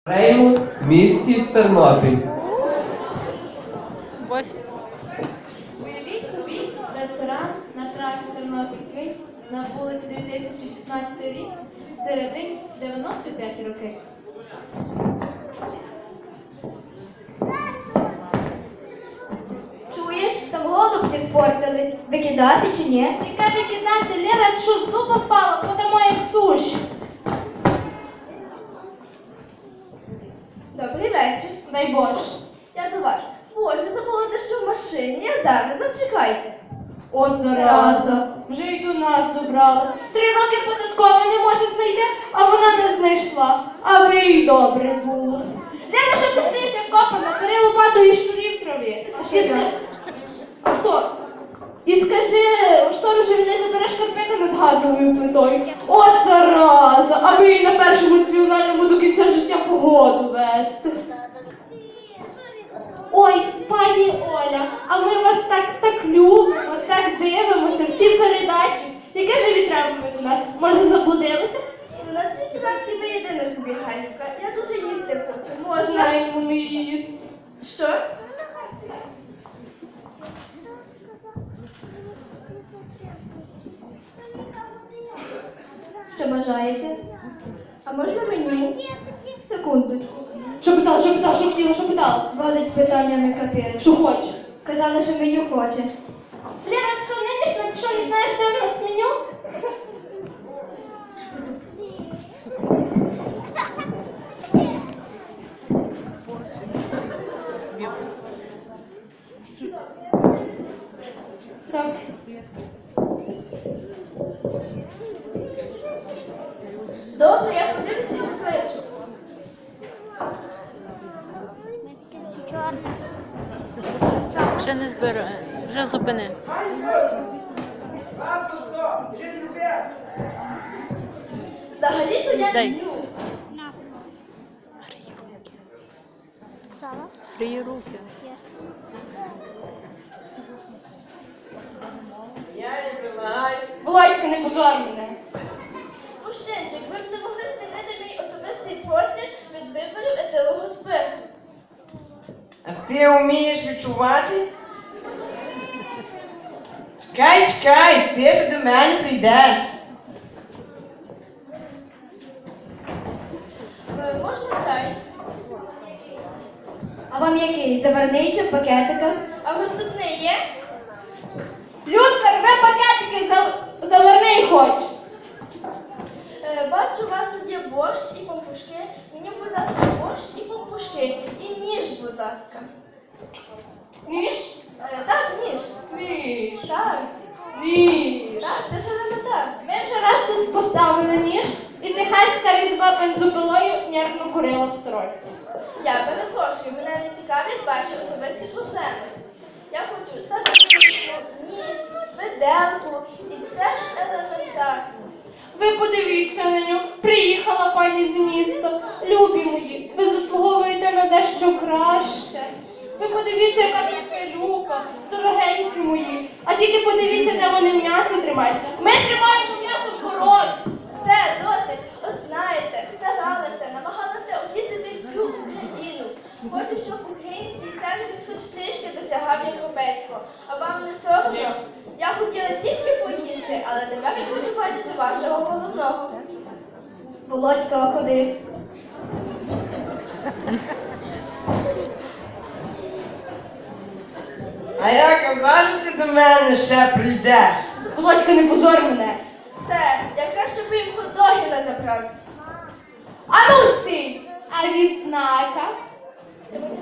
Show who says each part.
Speaker 1: Реймут в місті Тернопіль.
Speaker 2: Уявіть собі ресторан на трасі Тернопіль-Київ на вулиці 2016 рік, середині 95 років.
Speaker 3: Чуєш, там голубці спортились. Викидати чи ні?
Speaker 2: Яке викидати, Лера, що з дуба впала, подамо як суші.
Speaker 3: Добрий вечір.
Speaker 2: Дай Боже.
Speaker 3: Я до вас. Боже, забула дещо в машині. Я зараз, зачекайте.
Speaker 2: От зараза, вже й до нас добралась. 3 роки податково не може знайти, а вона не знайшла. Аби їй добре було. Лена, що ти стоїш як копана? Бери лопату і щурі в траві. А хто? І скажи, сторожеві, не забереш шкарпетки над газовою плитою. От зараза, аби їй на першому національному до кінця життя погоду вести. Ой, пані Оля, а ми вас так любимо, так дивимося, всі передачі. Яке ви відтримуєте до нас? Може, заблудилися?
Speaker 3: Ну, на цій трасі ви єдина собі, Ганівка. Я дуже їсти хочу. Можна?
Speaker 2: Знаємо ми їсти.
Speaker 3: Що? Що бажаєте? А можна меню? Секундочку.
Speaker 2: Що питала, що хотіла, що питала?
Speaker 3: Валить питаннями капець.
Speaker 2: Що хоче?
Speaker 3: Казали, що меню хоче.
Speaker 2: Лера, ти що нинішня? Ти що не знаєш, де в нас меню? Так.
Speaker 3: Добре, я подивлюся і покличу.
Speaker 4: Ще не збираю, вже зупини.
Speaker 3: Взагалі-то я
Speaker 4: Дай.
Speaker 3: люблю.
Speaker 4: Грій руки.
Speaker 2: Володька, не позор мене.
Speaker 3: Мужчинчик, ви б не могли змінити мій особистий простір від виборів етилового спирту.
Speaker 5: А ти вмієш відчувати? Чекай, ти ж до мене прийдеш.
Speaker 3: Можна чай?
Speaker 6: А вам який? Заварний чи в пакетиках?
Speaker 3: А наступний є?
Speaker 2: Людка, рве пакетики, заверни хоче.
Speaker 3: Бачу, у вас тут є борщ і пампушки. Мені, будь ласка, борщ і пампушки. І ніж, будь ласка.
Speaker 2: Ніж?
Speaker 3: Так, ніж.
Speaker 2: Ніж.
Speaker 3: Так,
Speaker 2: Ніж.
Speaker 3: так, це ж елементарно.
Speaker 2: Ми вже раз тут поставили ніж, і техаська різьба бензопилою нервно курила в сторонці.
Speaker 3: Я перепрошую, мене не цікавлять ваші особисті проблеми. Я хочу так ніж, виделку, і це ж елементарно.
Speaker 2: Ви подивіться на нього. Приїхала пані з міста. Любі мої, ви заслуговуєте на дещо краще. Ви подивіться, яка тут пилюка, дорогенькі мої. А тільки подивіться, де вони м'ясо тримають. Ми тримаємо м'ясо в городі.
Speaker 3: Все, досить. От знаєте, старалася, намагалася об'їздити всю Україну. Хочу, щоб український сервіс хоч трішки досягав європейського. А вам не соромно? Я хотіла тільки поїсти, але тепер я хочу бачити вашого головного.
Speaker 6: Володька, ходи.
Speaker 5: А я казав, що ти до мене ще прийдеш.
Speaker 2: Володька, не позор мене.
Speaker 3: Все, я краще би їм хот-доги на заправці.
Speaker 2: А ну стій! А відзнака?